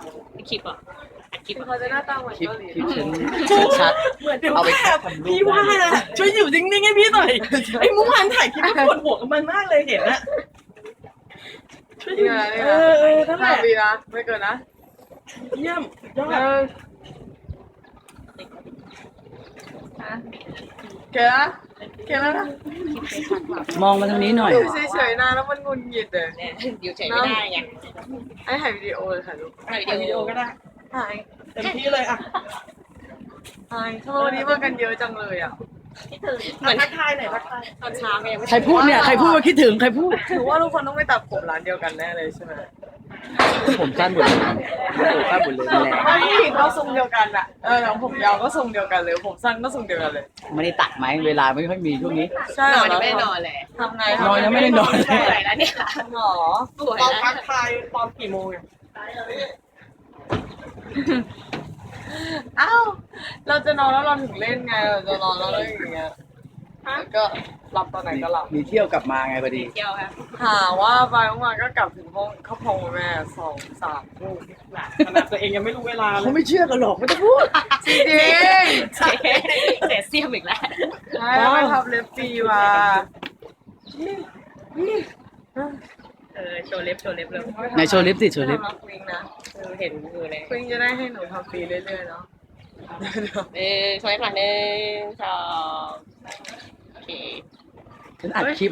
คลิปอ่ะคลิปเขาจะหน้าตาเหมือนคลิปเกาหลีคลิปฉันชัดเหมือนเดี๋ยวเอาไปพี่ว่านะช่วยอยู่นิ่งๆให้พี่หน่อยไอ้เมื่อวานถ่ายคลิปก็ปวดหัวกับมันมากเลยเห็นนะช่วยอยู่นี่นั่นแหห้าละปีนะไม่เกินนะเยี่ยมยอดเกินนะเกินแล้วนะมองมาทางนี้หน่อยอยู่เฉยๆนานแล้วมันงุนหงิดเลยเนี่ยอยู่เฉยไม่ได้ไงไอ้ถ่ายวิดีโอเลยค่ะลูกถ่ายถ่ายวิวิดีดีโอโอก็ได้ถ่ายเต็มที่เลยอ่ะถ่ายทำไมวันนี้มากันเยอะจังเลยอ่ะเหมือนทักทายหน่อยทักทายตอนเช้าไงยังไม่ใครพูดเนี่ยใครพูดว่าคิดถึงใครพูดถือว่าทุกคนต้องไปตัดผมร้านเดียวกันแน่เลยใช่ไหมผมสั้นหมดเลยผมสั้นหมดเลยแหละไม่เขาทรงเดียวกันอ่ะแล้วผมยาวก็ทรงเดียวกันเลยผมสั้นก็ทรงเดียวกันเลยไม่ได้ตัดไหมเวลาไม่ค่อยมีช่วงนี้ใช่นเหรออนยังไม่ได้นอนเลยทำไงนอนยังไม่ได้นอนสวยแล้วเนี่ยหรอสวยตอนแล้วทักทายตอนกี่โมงอ่ะอ้าวเราจะนอนแล้วเราถึงเล่นไงเราจะนอนแล้วอะไรอย่างเงี้ยแล้วก็หลับตอนไหนก็หลับมีเที่ยวกลับมาไงพอดีเที่ยวครับหาว่าไปเมื่อวานก็กลับถึงห้องเข้าห้องแม่2-3 ทุ่มขนาดตัวเองยังไม่รู้เวลาเลเขายไม่เชื่อกันหรอกไม่ต้องพูดจริงเสียเสียมอีกแล้วๆใช่ไปทำเล็บฟรีมาโชว์เล็บเลยในโชว์ลิฟต์สิโชว์ลิฟต์ทำรับวิงนะเห็นมือเลยวิงจะได้ให้หนูทำฟรีเรื่อยๆเนาะโชว์เล็บหน่อย1 2โอเคฉันอัดคลิป